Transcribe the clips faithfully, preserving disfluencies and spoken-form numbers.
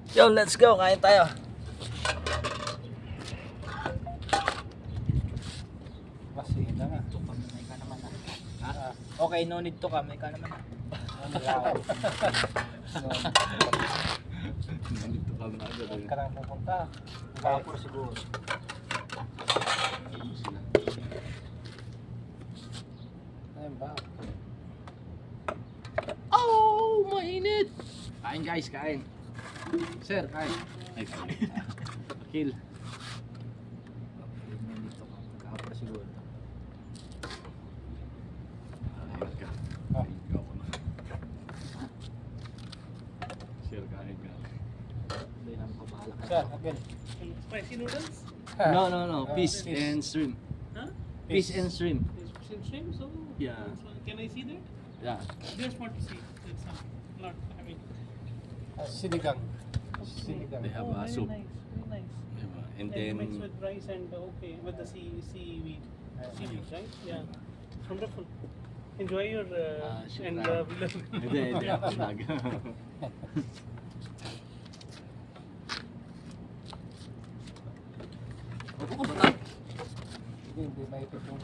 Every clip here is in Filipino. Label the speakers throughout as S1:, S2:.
S1: Yo, let's go. Kain tayo.
S2: Kasi na nga.
S1: Ito ka, may ka naman ah. Ha? Okay, no need to ka. May ka naman ah.
S3: Nandito ka na agad.
S2: Huwag ka lang pupunta.
S1: Vapor siguro.
S2: Ayun ba?
S3: Oh, mainit! Kain guys, kain. Sir, kain. Ay, kain. Kill.
S1: No need to ka. Vapor siguro.
S3: Kain ka.
S2: Ah.
S3: Kain ka ako na. Sir, kain ka.
S1: Hindi naman pabahala ka.
S2: Sir, again.
S4: Spicy noodles?
S3: No, no, no.
S2: Ah,
S3: Fish
S2: fish.
S3: and shrimp.
S4: Huh?
S3: Fish and shrimp.
S4: Fish and shrimp? So,
S3: Yeah.
S4: so can I see that?
S3: Yeah.
S4: Just want to see. That's some, not, I mean.
S2: Ah, sinigang. Sinigang.
S3: They have
S4: oh,
S3: a
S4: very
S3: soup.
S4: nice, very nice.
S3: Diba? And
S4: And
S3: then,
S4: mixed with rice and uh, okay, with the sea seaweed, seaweed, right? Yeah, wonderful. Enjoy your uh,
S3: Ah, sure.
S4: and uh, vlog.
S3: hindi, hindi ako vlog. Opo ka bata.
S2: Hindi, hindi maipit yung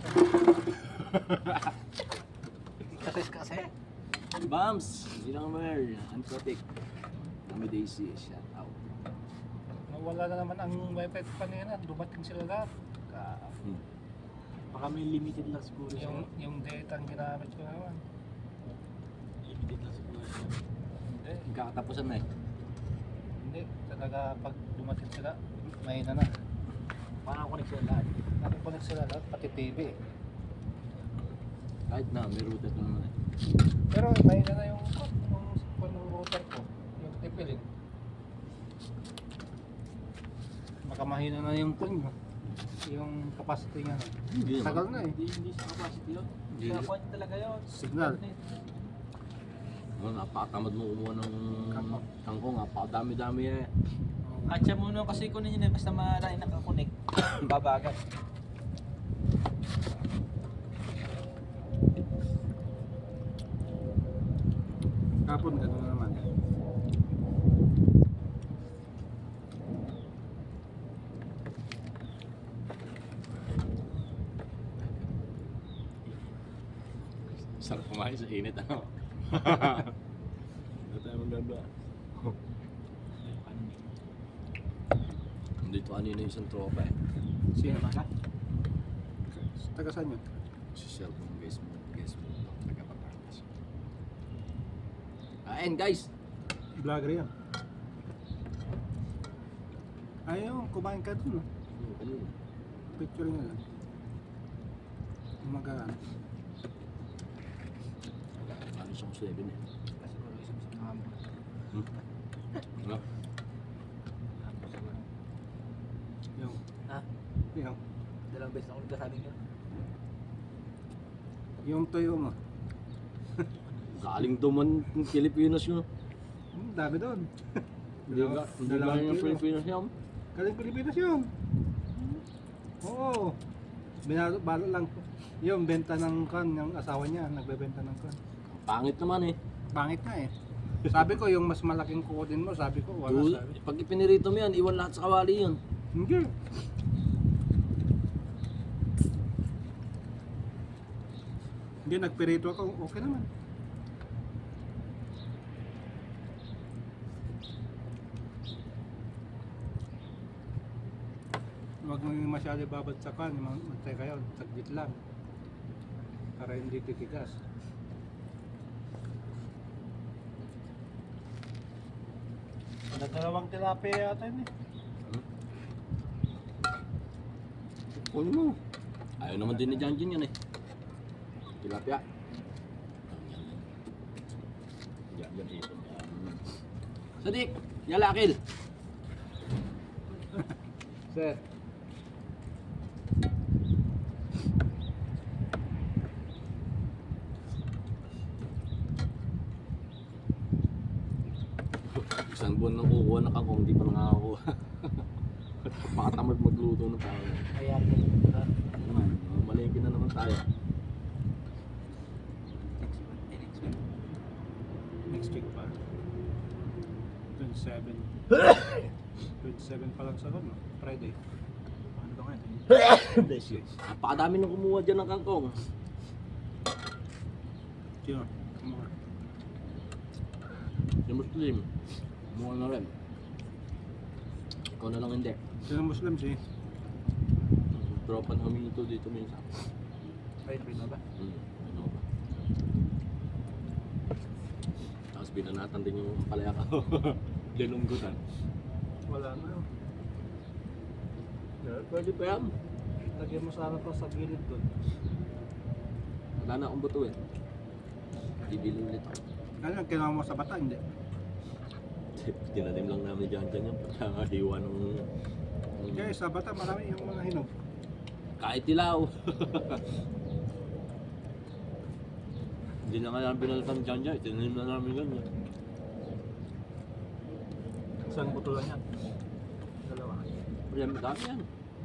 S1: Kasi kasi.
S3: Bams! Ginammer! Unprotect. Kami Daisy, shout out.
S2: Nawala na naman ang wifi kanina. Dumating sila lahat. Ka-
S3: Hmm.
S1: Baka may limited lang siguro siya.
S2: Yung, yung data ang ginamit ko naman.
S1: Limited lang siguro siya.
S2: Hindi.
S3: Katapusan na eh.
S2: Hindi. Talaga pag dumating sila, mahina na.
S1: Parang connection lahat.
S2: Nakikonect sila lahat, pati T V.
S3: Kahit na, may router na naman eh.
S2: Pero mahina na yung yung, yung router ko. Yung tipilin. Baka mahina na yung pin mo. Yung capacity niya na.
S3: Hindi naman.
S2: Tagal na eh.
S1: Hindi, hindi siya capacity yun.
S3: Hindi.
S1: Siya kwan talaga yun.
S2: Signal.
S3: Oh, napakatamad mo kumuha ng
S2: Kangkong.
S3: kangkong. Napakadami-dami eh.
S1: At siya muna kasi kunin yun eh. Basta marami nakakonect. Babagal.
S2: Kapon gano'n na naman.
S3: Sarap kumain sa init ano. Hindi tayo maganda. Dito kanina yung isang tropa eh.
S2: Sino?
S1: Naman ka?
S2: Taga saan yun?
S3: Si cellphone guys mo. Guys mo. Taga-Patangas. Kain guys!
S2: Vlogger yan. Ayun, kumain ka dun.
S3: Ano?
S2: Picture nyo lang. Umagaan.
S3: Ano siyang seven eh.
S1: Kasi siguro isang sa kamo.
S3: Hmm? Ano?
S2: Yung,
S1: Ha?
S2: yung,
S1: Dalawang beses ako nagkasabing yun.
S2: yung tuyo mo.
S3: Galing duman ng Pilipinas yun.
S2: Hmm, dami doon.
S3: Hindi ba? Hindi ba
S2: Dalawang
S3: yung
S2: kilo.
S3: Pilipinas yun?
S2: Galing Pilipinas yun. Oo. Binalo, balo lang. Yung benta ng kan, yung asawa niya, nagbebenta ng kan.
S3: Pangit naman eh.
S2: Pangit na eh. Sabi ko, yung mas malaking kuko din mo, sabi ko, wala
S3: Dude,
S2: sabi.
S3: pag ipinirito mo yan, iwan lahat sa kawali yun.
S2: Hindi. Hindi, nagpirito ako, okay naman. Huwag mo yung masyado babagsakan, magtay kayo, saglit lang. Para hindi titigas. Nagdalawang tilapia yata yun eh.
S3: Kunin mo. Ayaw naman din ni Janjin yan eh. Tilapia. Yan, yan, yan. Sadik! Yalakil!
S2: Sir.
S3: Isang buwan nang kukuha na kangkong, hindi pa nakakakuha. Makatamad magluto ng tao.
S1: Kaya ka
S3: Naman, malingkin na naman tayo.
S1: next week. Eh, next week.
S2: Next week pa. Dun twenty-seven. twenty-seven pa lang sa ron, no? Friday.
S1: Ano ba ngayon?
S3: Bless you. Napakadami nang kumuha dyan ng kangkong.
S2: Sino? Kumuha.
S3: Yung Muslim, kumuha na rin. Ikaw na lang hindi.
S2: Sino Muslim si?
S3: Tropa na huminto dito minsan.
S1: Ay, nabi ba?
S3: Hmm, ano ba? Tapos binanatan din yung palaya ko. Linunggutan.
S2: Wala na.
S3: Pwede pa yan.
S2: Lagyan mo sana to sa gilid doon.
S3: Wala na akong buto eh. Bibili ulit ako.
S2: Ano, kinuha mo sa bata, hindi?
S3: Tinanim lang namin dyan dyan yung pagkakahiwa ng... ng-
S2: Kaya sa bata, marami yung mga hinog.
S3: Kahit tilaw. Hindi na nga namin binalatan dyan dyan. Tinanim na namin ganyan.
S1: Saan buto lang yan? Dalawa.
S3: Yan, dami yan.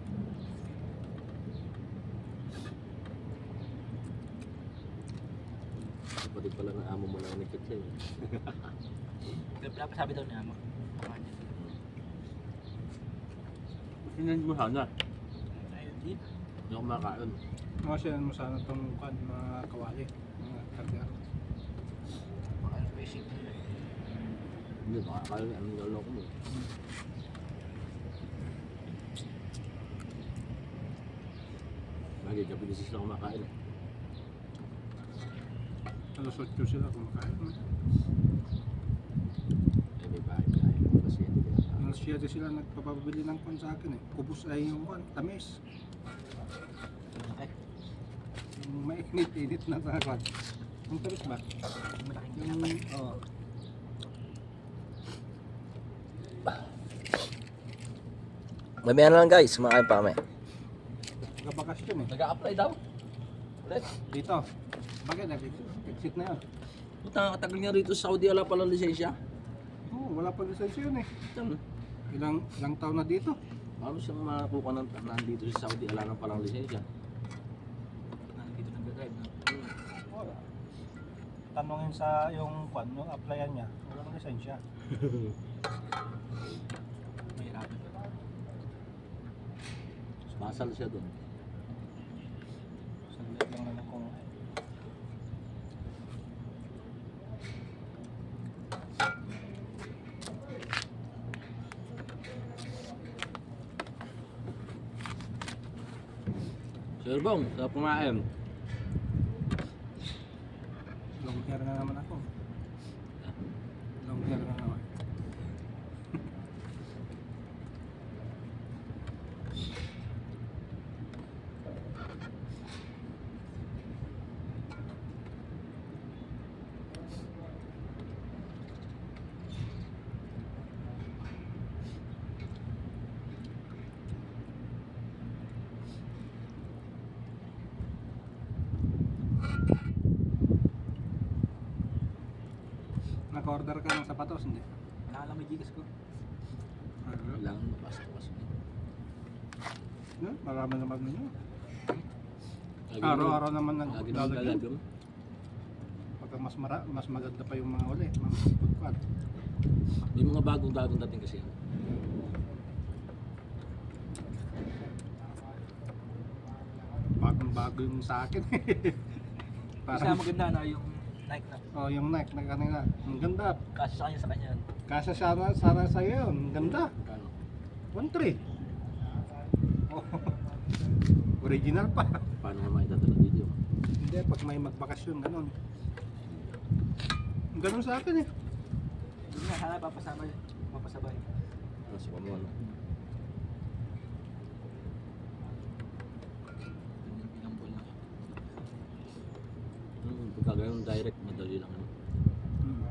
S3: Kapatid pala ng amo mo na nag-chat sa'yo.
S1: Dapat sabi daw niya mo.
S3: Tingnan mo sana.
S1: Ayun din.
S3: Hindi ako makakain.
S2: Mga siya mo sana itong kwan, mga kawali. Mga karga.
S1: Baka ano basic.
S3: Hindi, makakain. Anong lolo ko mo? Bagay, gabi kasi sila kumakain eh.
S2: Alas otso sila kumakain.
S3: Eh, may bahay tayo. Kasi hindi kaya
S2: Alas siyete sila nagpapabili ng kwan sa akin eh. Kubos ay yung kwan, tamis.
S1: Okay.
S2: Yung mainit-init na sa kwan. Yung tamis ba?
S1: Malaking
S2: Yung,
S1: kinapay.
S2: oo.
S5: Mamaya na lang guys, kumakain pa kami.
S2: Nagabakasyon eh.
S3: nag-a-apply daw. Ulit.
S2: Dito. Bakit? Nag-exit na yun.
S3: Puta, nakatagal niya rito sa Saudi. Wala palang lisensya.
S2: Oo, wala pa lisensya yun eh.
S3: Tama.
S2: Ilang, ilang taon na dito.
S3: Paano siyang makakuha ng nandito sa Saudi? Wala nang palang lisensya.
S1: Nandito nag-drive na.
S2: Wala. Tanongin sa yung kwan, yung applyan niya. Walang lisensya.
S1: Mahirapan.
S3: Basal siya doon.
S2: Saglit lang naman kung
S3: Sir Bong, sa pumain.
S2: long hair na naman ako. Long hair na naman. Naka-order ka ng sapatos, hindi?
S1: Nakala may gigas ko.
S3: Kailangan mapasok kasi.
S2: Yeah, marami naman ninyo.
S3: Lagi
S2: Araw-araw naman
S3: Lagi naman
S2: naglalagyan.
S3: lalagyan.
S2: Pagka mas mara, mas maganda pa yung mga uli, mga pagkwan.
S3: May mga bagong-bagong dating kasi.
S2: Bagong-bago yung sa akin.
S1: Isa
S2: Parang,
S1: maganda na yung Nike na.
S2: oh, yung Nike na kanina. Ang ganda.
S1: Kasi sa kanya sa kanya.
S2: Kasa sana, sana sa'yo yun. Ang ganda.
S3: Kano?
S2: one three. Oh. Original pa.
S3: Paano nga maitatalag dito?
S2: Hindi, pag may magbakasyon, ganun. Ganun sa akin eh.
S1: Hindi nga, sana papasama yun. Mapasabay.
S3: Ano sa pamuan?
S1: Ilang buwan lang.
S3: Hmm, pagka ganun direct, madali lang. Ano.
S2: Hmm.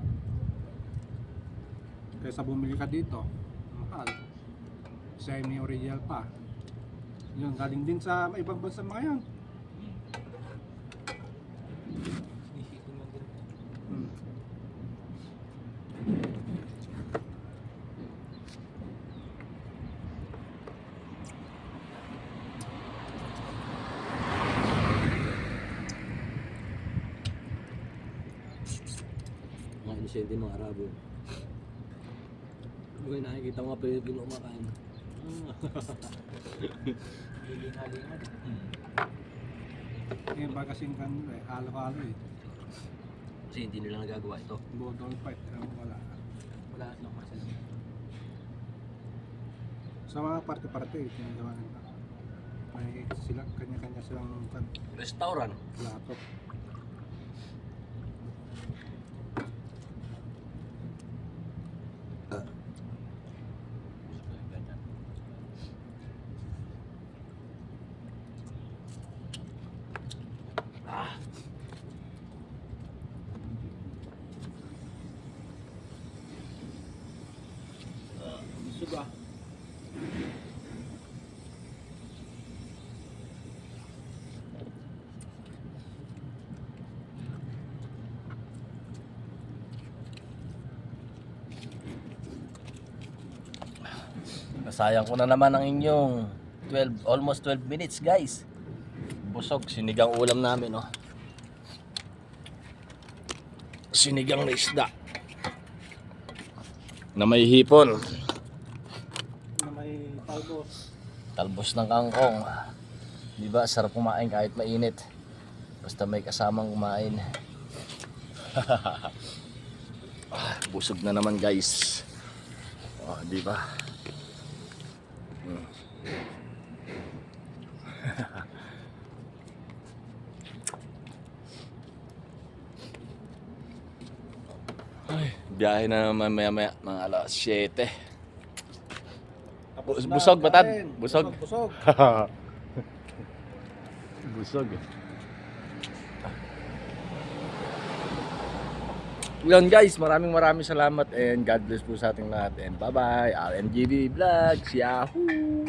S2: Kaysa bumili ka dito, mahal. Semi-original pa. Yun, galing din sa ibang bansa mga yan.
S1: Sinisipin mo din.
S2: Hmm.
S3: Mga inisente mga Arabo. Uy, nakikita mo nga Pilipino kumakain.
S1: Hilinga-linga.
S2: Eh, baka kasing kanila eh, halo-halo eh.
S3: Kasi hindi nila nagagawa ito.
S2: Budol fight, eh, wala.
S1: Wala naman sila.
S2: Sa mga parte-parte, tinagawa nila. May sila, kanya-kanya silang kan,
S3: Restaurant.
S2: plato.
S1: Suga.
S5: Nasayang ko na naman ang inyong twelve, almost twelve minutes guys. Busog, sinigang ulam namin oh. Sinigang na isda. Na may hipon.
S4: Na may talbos.
S5: Talbos ng kangkong. Di ba, sarap kumain kahit mainit. Basta may kasamang kumain. Ah, busog na naman guys. Oh, di ba? Hmm. Ay, biyahe na naman maya maya mga alas siyete.
S2: Tapos na,
S5: Busog, batad?
S2: kain.
S5: Busog?
S2: Busog.
S5: Busog. Yun guys, maraming maraming salamat and God bless po sa ating lahat and bye bye. R M G B Vlogs, Yahoo!